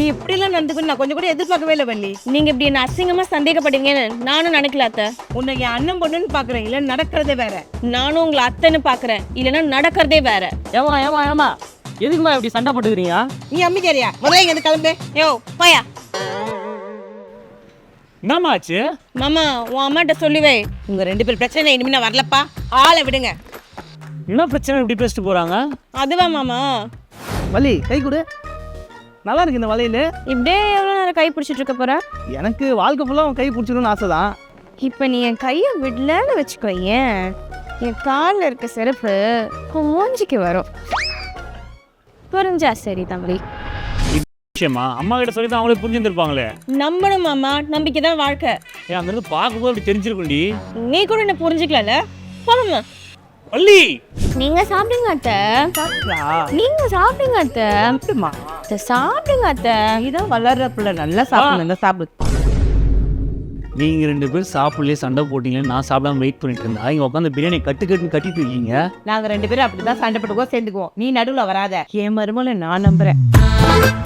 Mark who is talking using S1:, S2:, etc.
S1: இப்படிலாம் நடந்துக்கணும் நான் கொஞ்சம் கூட எதிர்பார்க்கவே இல்லை வள்ளி.
S2: நீங்க இப்படி என்ன அசிங்கமா சந்தேகப்படுவீங்கன்னு நானும் நினைக்கல அத்தை.
S1: உன்னை என் அண்ணன் பொண்ணுன்னு பாக்குறேன், இல்ல நடக்கிறதே வேற.
S2: நானும் உங்களை அத்தைன்னு பாக்குறேன், இல்லைன்னா நடக்கிறதே வேற.
S3: ஏமா எதுக்குமா இப்படி சண்டை போட்டுக்கிறீங்க?
S1: நீ அம்மிக்காரியா? முதல்ல இங்க இருந்து கிளம்பு.
S2: யோ போயா.
S3: என்னம்மா ஆச்சு?
S2: மாமா உன் அம்மாட்ட சொல்லுவே.
S1: உங்க 2 பேர் பிரச்சனை இனிமே நான் வரலப்பா, ஆளை விடுங்க.
S3: என்ன பிரச்சனை இப்படி பேசிட்டு போறாங்க?
S2: அதுவா மாமா?
S4: வலி கை கொடு. நல்லா இருக்கு இந்த வலையில.
S2: இப்படியே எவ்வளோ நேரம் கை பிடிச்சிட்டு இருக்க போற?
S4: எனக்கு வாழ்க்கை ஃபுல்லாக உன் கை பிடிச்சிக்கணும்னு ஆசை தான்.
S2: இப்போ நீ என் கையை விடலன்னு வச்சுக்கோ, ஏன் என் காலில் இருக்க செருப்பு உன் மூஞ்சிக்கு வரும். புரிஞ்சா சரி தம்பி.
S3: விஷயமா அம்மா கிட்ட சொல்லி தான் அவங்களே புரிஞ்சுருப்பாங்களே.
S2: நம்பணும் மாமா, நம்பிக்கை தான் வாழ்க்கை.
S3: ஏன் அந்த இருந்து பார்க்கும்போது அப்படி தெரிஞ்சிருக்கும்டி.
S2: நீ கூட என்ன புரிஞ்சுக்கல. போமா
S3: வள்ளி
S2: நீங்க சாப்பிடுங்க அத்தை. நீங்க சாப்பிடுங்க அத்தை. அத்தை சாப்பிடுங்க அத்தை.
S1: நீதான் வளர்ற பிள்ளை, நல்லா சாப்பிடுங்க, சாப்பிடு.
S3: நீங்க 2 பேர் சாப்பிடலையே சண்டை போட்டீங்களே, நான் சாப்பிடாம வெயிட் பண்ணிட்டு இருந்தா இங்க உட்காந்து பிரியாணி கட்டிட்டு இருக்கீங்க.
S1: நாங்க 2 பேரும் அப்படிதான் சண்டை போட்டுக்கோ, சேர்ந்துக்குவோம். நீ நடுவுல வராத. என் மருமகளை நான் நம்புறேன்.